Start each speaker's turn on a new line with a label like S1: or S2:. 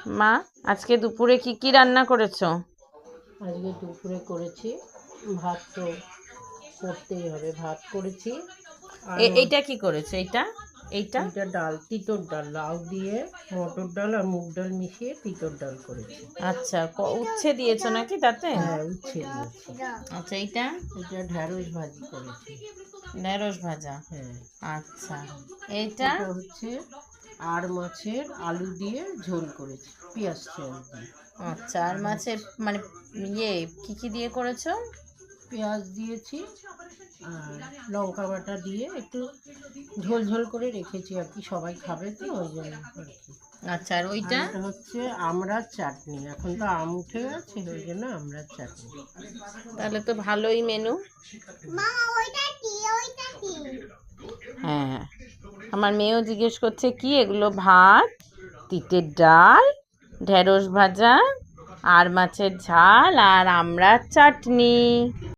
S1: মা, আজকে দুপুরে কি কি রান্না করেছো?
S2: আজকে দুপুরে করেছি ভাত, তো করতেই হবে। ভাত করেছি আর
S1: এইটা কি করেছো? এইটা এইটা
S2: এইটা ডাল, তিতর ডাল, লাউ দিয়ে মটর ডাল আর মুগ ডাল মিশিয়ে তিতর ডাল করেছি।
S1: আচ্ছা, উচ্ছে দিয়েছো নাকি তাতে?
S2: হ্যাঁ, উচ্ছে দিয়েছি।
S1: আচ্ছা, এইটা
S2: এটা ঢ্যাঁড়স ভাজি করেছি।
S1: ঢেঁড়স ভাজা।
S2: হ্যাঁ,
S1: আচ্ছা, এইটা
S2: এটা হচ্ছে আর মাছের আলু দিয়ে ঝোল করেছি, পেঁয়াজ তেল দিয়ে।
S1: আচ্ছা, আর মাছের মানে ইয়ে কি কি দিয়ে করেছো?
S2: পেঁয়াজ দিয়েছি আর লঙ্কা বাটা দিয়ে একটু ঝোল ঝোল করে রেখেছি আর কি, সবাই খাবে তো ওই জন্য আর কি।
S1: আচ্ছা, আর
S2: আর
S1: ওইটা?
S2: এটা হচ্ছে আমড়ার চাটনি, এখন তো আম উঠে গেছে ওই জন্য আমড়ার চাটনি।
S1: তাহলে তো ভালোই মেনু। হ্যাঁ, আমার মেয়েও জিজ্ঞেস করছে কি এগুলো? ভাত, তিতের ডাল, ঢেঁড়স ভাজা, আর মাছের ঝাল আর আমড়ার চাটনি।